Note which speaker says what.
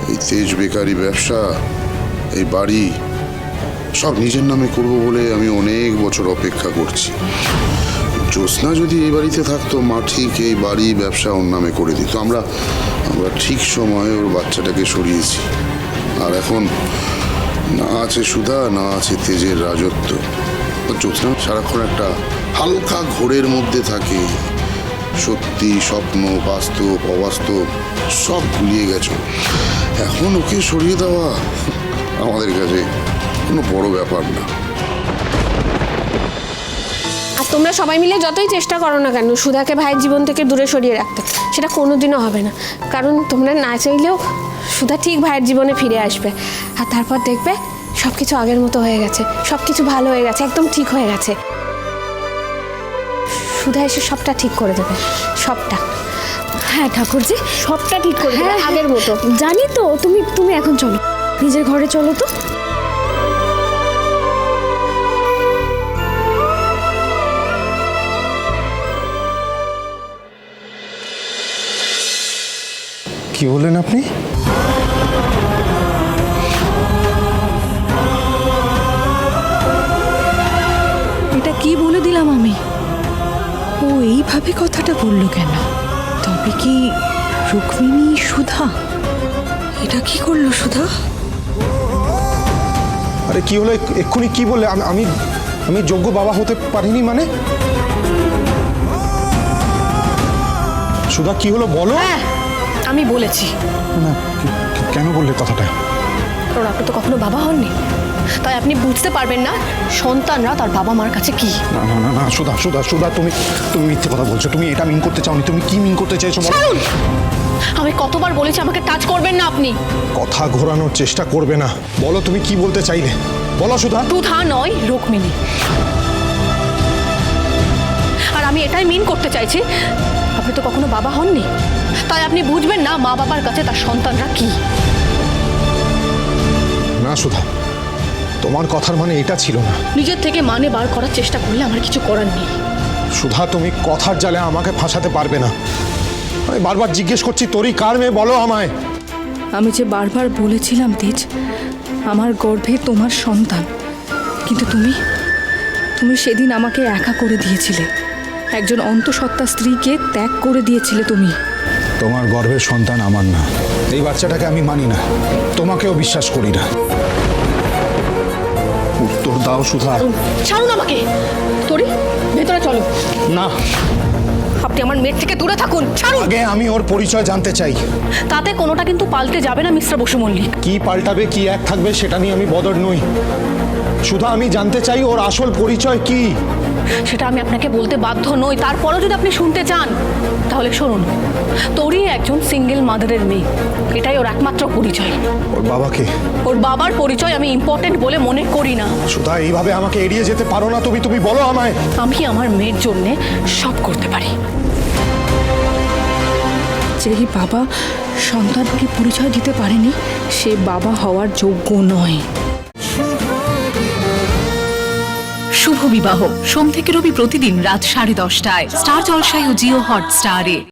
Speaker 1: এই তেজ বেকারি ব্যবসা, এই বাড়ি সব নিজের নামে করব বলে আমি অনেক বছর অপেক্ষা করছি। জ্যোৎস্না যদি এই বাড়িতে থাকতো, মা ঠিক এই বাড়ি ব্যবসা ওর নামে করে দিত। আমরা ঠিক সময়ে ওর বাচ্চাটাকে সরিয়েছি। আর এখন না আছে সুধা, না আছে তেজের রাজত্ব। জ্যোৎস্না সারাক্ষণ একটা হালকা ঘোরের মধ্যে থাকে। সত্যি, স্বপ্ন, বাস্তব, অবাস্তব সব গুলিয়ে গেছো। এখন ওকে সরিয়ে দেওয়া আমাদের কাছে কোনো বড় ব্যাপার না।
Speaker 2: আর তোমরা সবাই মিলে যতই চেষ্টা করো না কেন সুধাকে ভাইয়ের জীবন থেকে দূরে সরিয়ে রাখতে, সেটা কোনোদিনও হবে না। কারণ তোমরা না চাইলেও সুধা ঠিক ভাইয়ের জীবনে ফিরে আসবে। আর তারপর দেখবে সব কিছু আগের মতো হয়ে গেছে, সব কিছু ভালো হয়ে গেছে, একদম ঠিক হয়ে গেছে। সুধা এসে সবটা ঠিক করে দেবে, সবটা।
Speaker 3: হ্যাঁ ঠাকুরজি,
Speaker 2: সবটা ঠিক করে দেবে আগের মতো।
Speaker 3: জানি তো। তুমি এখন চলো, নিজের ঘরে চলো তো।
Speaker 4: কি বললেন আপনি?
Speaker 5: এটা কি বলে দিলাম আমি? ও এইভাবে কথাটা বললো কেন? তবে কি রুক্মিণী সুধা? এটা কি করলো সুধা?
Speaker 4: আরে কি হলো এক্ষুনি? কি বললে? আমি আমি যোগ্য বাবা হতে পারিনি মানে? সুধা কি হলো বলো?
Speaker 3: হ্যাঁ, আমি বলেছি।
Speaker 4: না, কেন বললে কথাটা?
Speaker 3: কারণ আপনি তো কখনো বাবা হননি, তাই আপনি বুঝতে পারবেন না সন্তানরা তার বাবা মার কাছে কি।
Speaker 4: না না না না সুধা সুধা সুধা, তুমি মিথ্যে কথা বলছো। তুমি এটা মিন করতে চাওনি। তুমি কি মিন করতে চাইছো বলো?
Speaker 3: আমি কতবার বলেছি আমাকে টাচ করবেন না আপনি।
Speaker 4: কথা ঘোরানোর চেষ্টা করবে না। বলো তুমি কি বলতে চাইলে, বলো সুধা।
Speaker 3: সুধা নয়, রুক্মিণী। আর আমি এটাই মিন করতে চাইছি, আপনি তো কখনো বাবা হননি, তাই আপনি বুঝবেন না মা বাবার কাছে তার সন্তানরা কি।
Speaker 4: না সুধা, তোমার কথার মানে এটা ছিল না।
Speaker 3: নিজের থেকে মানে বার করার চেষ্টা করলে আমার কিছু করার নেই।
Speaker 4: সুধা, তুমি কথার জালে আমাকে ফাঁসাতে পারবে না। আমি বারবার জিজ্ঞেস করছি, তোরই কার মেয়ে, বলো আমায়।
Speaker 5: আমি যে বারবার বলেছিলাম তেজ, আমার গর্ভে তোমার সন্তান, কিন্তু তুমি সেদিন আমাকে একা করে দিয়েছিলে। একজন অন্তঃসত্ত্বা স্ত্রীকে ত্যাগ করে দিয়েছিলে তুমি।
Speaker 4: তোমার গর্ভের সন্তান আমার না। এই বাচ্চাটাকে আমি মানি না, তোমাকেও বিশ্বাস করি না। উত্তর দাও সুধা।
Speaker 3: ছাড়ুন আমাকে। তোরি, ভেতরে চলো।
Speaker 4: না,
Speaker 3: আপনি আমার মেয়ের থেকে দূরে থাকুন। ছাড়ুন।
Speaker 4: আগে আমি ওর পরিচয় জানতে চাই।
Speaker 3: তাতে কোনোটা কিন্তু পাল্টে যাবে না মিস্টার বসু মল্লিক।
Speaker 4: কি পাল্টাবে, কি এক থাকবে সেটা নিয়ে আমি বদর নই। সুধা, আমি জানতে চাই ওর আসল পরিচয় কি।
Speaker 3: সেটা আমি আপনাকে বলতে বাধ্য নই, তারপরও যদি আপনি শুনতে চান তাহলে শুনুন। তোরই একজন সিঙ্গেল মাদারের মেয়ে, এটাই ওর একমাত্র পরিচয়।
Speaker 4: ওর বাবাকে,
Speaker 3: ওর বাবার পরিচয় আমি ইম্পর্টেন্ট বলে মনে করি না।
Speaker 4: সুধা এইভাবে আমাকে এড়িয়ে যেতে পারো না। তুমি বলো আমায়।
Speaker 3: আমি আমার মেয়ের জন্য সব করতে পারি।
Speaker 5: যেই বাবা সন্তানকে পরিচয় দিতে পারেনি, সে বাবা হওয়ার যোগ্য নয়।
Speaker 6: শুভ বিবাহ সোম থেকে রবি প্রতিদিন রাত 10:30টায় স্টার জলসায় ও জিও হটস্টারে।